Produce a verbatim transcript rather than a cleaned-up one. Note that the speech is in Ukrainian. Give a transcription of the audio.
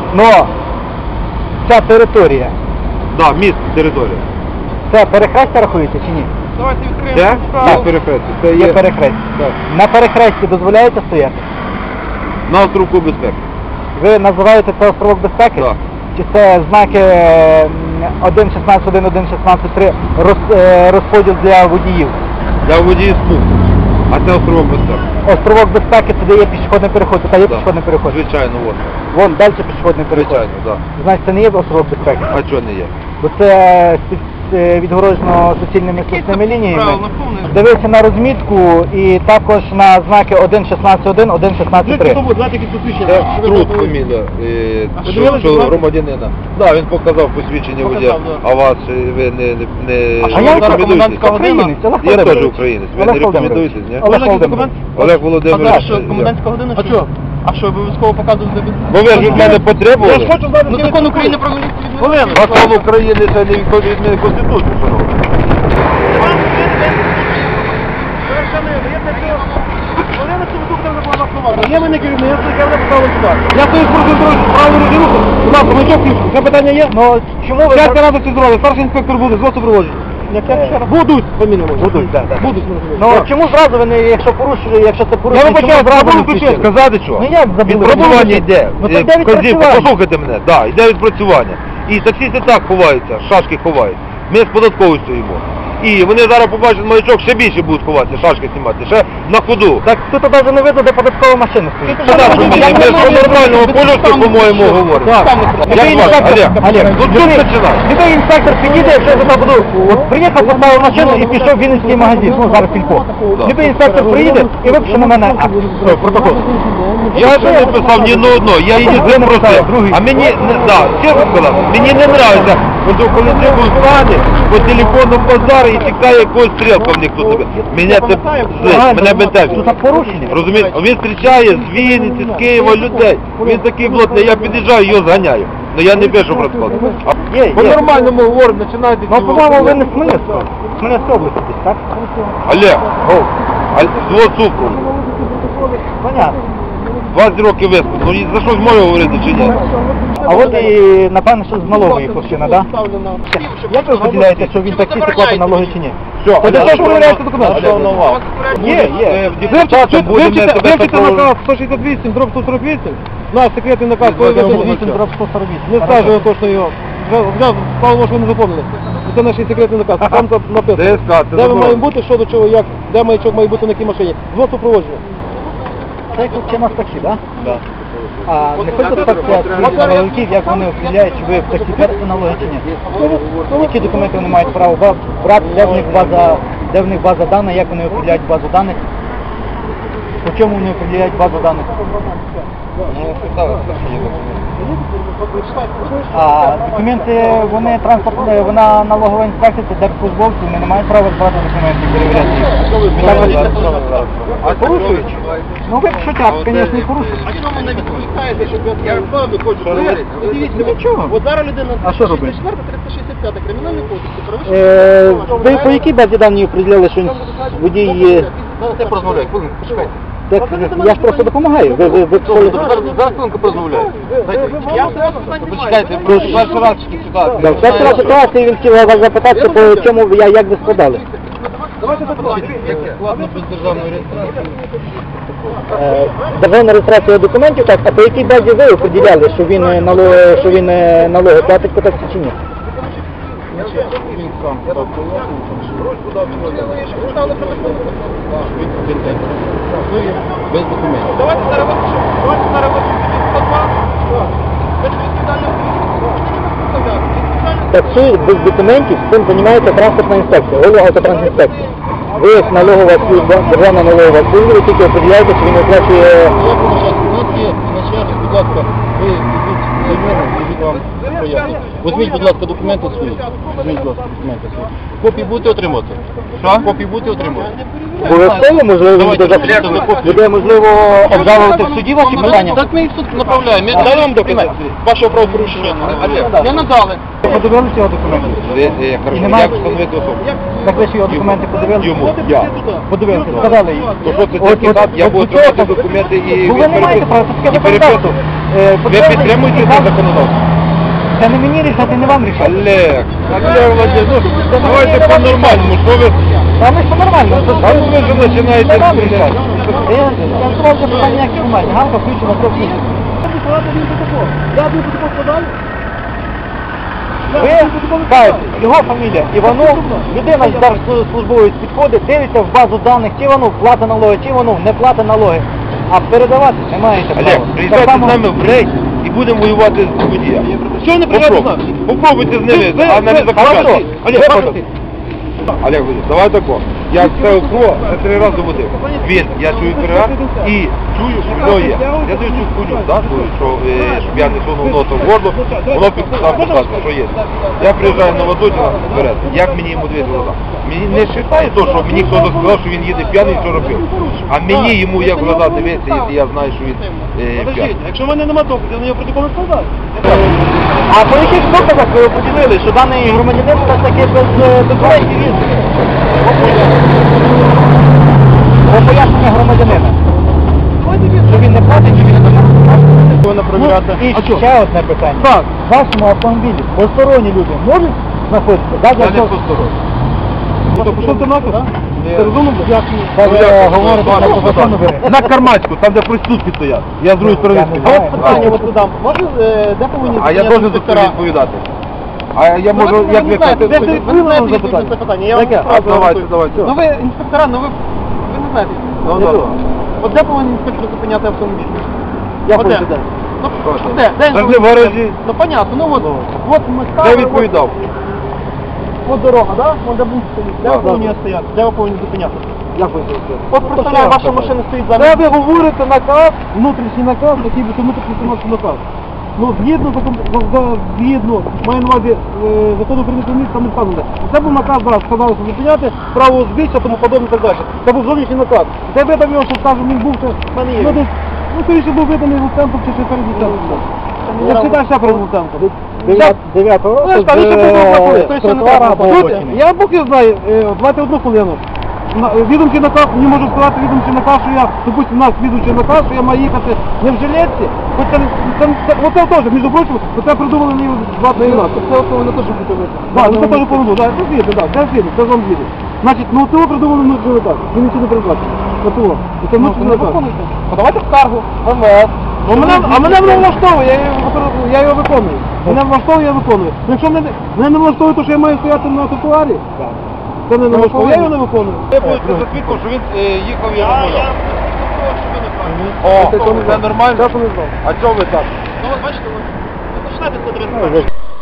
Но ця територія. Так, да, міст, територія. Це перехрестя рахується чи ні? Давайте відкриємо. Це? Є перехрестя. Це є перехрестя. Так. На перехресті дозволяється стояти? На островку безпеки. Ви називаєте це островок безпеки? Так. Чи це знаки один шістнадцять один, один шістнадцять три роз, розподіл для водіїв? Для водіїв смуг. А це островок безпеки. Островок безпеки, це де є пішохідний переход, це є Да. пішохідний переход? Звичайно, от. Вон, далі пішохідний переход. Звичайно, так. Да. Значить, це не є островок безпеки? А чого не є? Бо це відгороджено суцільними суцільними лініями. Правильно, повне. Дивися на розмітку і також на знаки один шістнадцять один, один шістнадцять три. Це труд фамілія, е, що, що громадянина. Так, він показав посвідчення водія, а вас е, ви не, не, не А я рекомендуєтеся? українець, Олег Я теж Володимирович. українець, ви Олег не Володимирович. рекомендуєтесь, ні? Олег Володимирович. Олег Володимирович. А що, комендантська година? А що? А що, обов'язково показувати? Бо ви ж від мене потребували. Ну закон України про міліцію відмовляє. Закон України це не відходить від мене Конституції, шановні. Є мене керівник, я вже поставив сюди. Я стою з проконтролю праву руху. Будь ласка, маячок включу. Це питання є? Ну, чому ви... П'ять разів це зробили. Старший інспектор буде, з вас супроводжу. Будуть, фамілія може. Будуть, так, так. Будуть. Ну, чому зразу ви не, якщо порушили, якщо це Я порушили, вибачаю, чому зразу не забули включили? включити. Сказати що? Ну як забули? Відпрацювання йде. Ну, так Е, де вказівка, відпрацювання? послухайте мене, да, йде відпрацювання. І таксісти так ховаються, шашки ховають. Ми з податковою стоїмо. І вони зараз побачать маячок, ще більше будуть ховатися, шашки знімати, ще на ходу. Так тут навіть не видно, де податкова машина стоїть. Що так, ми ж по нормальному полюсу, по-моєму, говоримо. Так. Як звати? Олег, Олег, ну тут починай. любий інспектор підійде, якщо я туди буду, от приїхав, поставив машину і пішов в Вінницький магазин, ну зараз Філько. Да. Любий інспектор приїде і випише на мене акт, о, протокол. Я ж не писав ні на одно, я її Ви з написали, просив. другий. А мені, не, да, чесно сказав, мені не нравиться, коли треба встане по телефону базару і чекає якогось стрілка в них тут себе. Мене це злить, мене бентежить. Тут порушення. Розумієте? Він зустрічає з Вінниці, з Києва людей. Він такий блотний, я під'їжджаю, його зганяю. Ну я не пишу про склад. Є, По є. нормальному говоримо, починайте. Ну, по-моєму, ви не з Хмельницького. З Хмельницької області десь, так? Олег, а з цукру. Понятно. двадцять років виску. Ну і за щось можу говорити чи ні? А от і, напевно, що з налогової хлопчина, так? Як ви поділяєте, що він таксісти платить налоги чи ні? Все, Та де ж ви перевіряєте документи? Є, є. Вивчите наказ сто шістдесят вісім, дроб сто сорок вісім. Наш секретний наказ, коли ви вісім дроб сто сорок вісім. не скажемо точно його. Вже, Павло, може, ви не запомнили. Це наш секретний наказ, там там написано. ДСК, це Де ми заборонено. маємо бути, що до чого, як, де маячок має бути, на якій машині. Звод супроводження. Це хлопчина з таксі, так? Так. А не хочете спитати налогів, як вони определяють, чи ви в таксі платите налоги чи ні? Які документи вони мають право брати, де в них база, де в них база даних, як вони определяють базу даних? По чому вони определяють базу даних? А документи, вони транспортні, вона налогова інспекція, це держслужбовці, вони не мають права збирати документи і перевіряти їх. А порушують? Ну ви пишуть акт, звісно, і порушують. А чому не відповідаєте, щоб я правду хочу говорити? Дивіться, Нічого. от зараз людина А що робити? четверта, триста шістдесят п'ята кримінальний кодекс. Е, Ви по якій базі дані определяли, що водій є? Я розмовляю, хвилинку, почекайте. Так, я ж просто допомагаю. Ви, ви, ви, ви, Зараз хвилинку порозмовляю. Я все питання Почекайте, перший раз такі ситуації. Да, перша раз ситуація, він хотів вас запитати, по чому, я, як ви складали. Давайте запитати. Складно без державної реєстрації. Е, Державна реєстрація документів, так, а по якій базі ви определяли, що він е, налоги, що він е, налоги платить по таксі чи ні? Без документів. Давайте зараз випишемо. Давайте зараз випишемо сто два. Без відповідального Таксує без документів, цим займається транспортна інспекція, головавтотрансінспекція. Ви як налогова служба, державна налогова служба, ви тільки определяєте, що він оплачує... Будь ласка, ви візьміть займені, візьміть вам поясню. Візьміть, будь ласка, документи свої. Візьміть, будь ласка, документи свої. Копії будете отримувати? Що? Копії будете отримувати? Обов'язково, можливо, він буде, Добре, зап- добре. буде, можливо, обжалувати в суді ваші питання? Так ми їх в суд направляємо. Ми дали вам докази вашого правопорушення. Не надали. Подивилися його документи? Я кажу, Немає? як встановити особу? Так ви ж його документи подивилися? Йому. Я. Подивилися, сказали їй. То що це От- такий от- факт, я от буду у цього- отримати документи і Ну ви не маєте права, це таке законодавство. е, Ви потрібно- підтримуєте це законодавство? Це не мені рішати, не вам рішати. Олег, Олег Владимирович, ну давайте по-нормальному, що ви... Та ми все нормально. Це, А ну ви ж починаєте... це вам рішати. Я, я сказав, що питання ніяких немає. Ганка включена, все включено. Я буду протокол складаю. Ви кажете, його фамілія Іванов, людина з держслужбовець підходить, дивиться в базу даних, чи Іванов платить налоги, чи Іванов не платить налоги. А передавати не маєте права. Олег, Так приїжджайте само- з нами в рейд і будемо воювати з водієм. Що не приїжджайте з нами? Попробуйте з ними, Ви- а не ви- закривати. Хорошо. Олег, Ви- пожалуйста. Олег, давай тако. Я це укро, це три рази водив. Він, я чую перегар і чую, що в нього є. Я даю цю хуйню, да, що, е, щоб я не сунув носа в горло, воно підписав, показує, що є. Я приїжджаю на Ладотіна вперед, як мені йому дивити глаза? Мені не вважає то, що мені хтось сказав, що він їде п'яний, що робив. А мені йому як в глаза дивитися, якщо я знаю, що він е, п'яний. Подождіть, якщо в мене нема доказів, я на нього протокол не складаю. А по яких доказах ви поділили, що даний громадянин все ж таки без е, документів їздить? По пояснення громадянина. Що він не платить, чи він не платить? Повинна перевіряти. Ну, і А що? ще одне питання. Так. В вашому автомобілі посторонні люди можуть знаходитися? Да, для Я не цього- посторонній. Ну, то пішов ти нахуй, так? Ти розумно? Дякую. Так, Ну, ви як, говорите, ну, що ну, законно ви- На Кармацьку, там де проститутки стоять. Я з другої сторони Я не стою. знаю. От питання от задам. Може, е, де повинні А я зупиняти теж за це інспектора? відповідати. А я можу, Ну, ви як не ви знаєте, кажете, ви не відповідь знаєте на відповідь на це питання. Я вам Яке? сразу А, давайте, говорю. давайте. Ну ви інспектора, ну ви, ви не знаєте. Ну, Для да. чого? От де повинен інспектор зупиняти автомобіль? Я От де? хочу далі. Ну, де? Де він Та ж не повинен в гаражі. зупиняти? Ну, понятно, ну от, от ми Я ставили, відповідав. От, от дорога, да? От де будуть стоїть. Де Да, ви повинні да. стояти? Де ви повинні зупиняти? Як ви це? От представляю, ваша машина стоїть Де зараз. ви говорите наказ, внутрішній наказ, який би внутрішній виконавчий наказ. Ну, згідно закон, за- за- згідно, маю на увазі, е, закону України про місто, там не вказано. Це був наказ, зараз сказали, що зупиняти, право узбіччя, тому подобне і так далі. Це був зовнішній наказ. Це видав його, що скажу, він був, це в мене є. Ну, десь, ну, скоріше був виданий Луценком чи ще перед Луценком. Я читаю ще перед Луценком. дев'ятого року Ну, ж, там з, ще е, придумав заходить, той ще не тротуара треба або заходити. обочини. Я Бог його знаю, е, давайте одну хвилину. На- Відомчий наказ, не можу сказати відомчий наказ, що я, допустим, у нас відомчий наказ, що я маю їхати не в жилетці, хоч це, це, це, оце теж, між прочим, це придумали мені двадцять дванадцять. Це от не те, що хотіли. Так, ну це теж по-моєму, так, це звідти, так, це звідти, це вам звідти. Значить, ну цього придумали внутрішній наказ, він нічого не передбачив. Оцього. І це внутрішній наказ. Подавайте скаргу. Ну, мене, а мене воно влаштовує, я його, використовую, я його виконую. Мене влаштовує, я виконую. Ну, якщо мене, мене не влаштовує, то що я маю стояти на тротуарі, це не влаштовує, я його не виконую. Я буду за свідком, що він е, їхав і розмовляв. О, це нормально? Я що не знав. А чого ви так? Ну, от бачите, ви починаєте з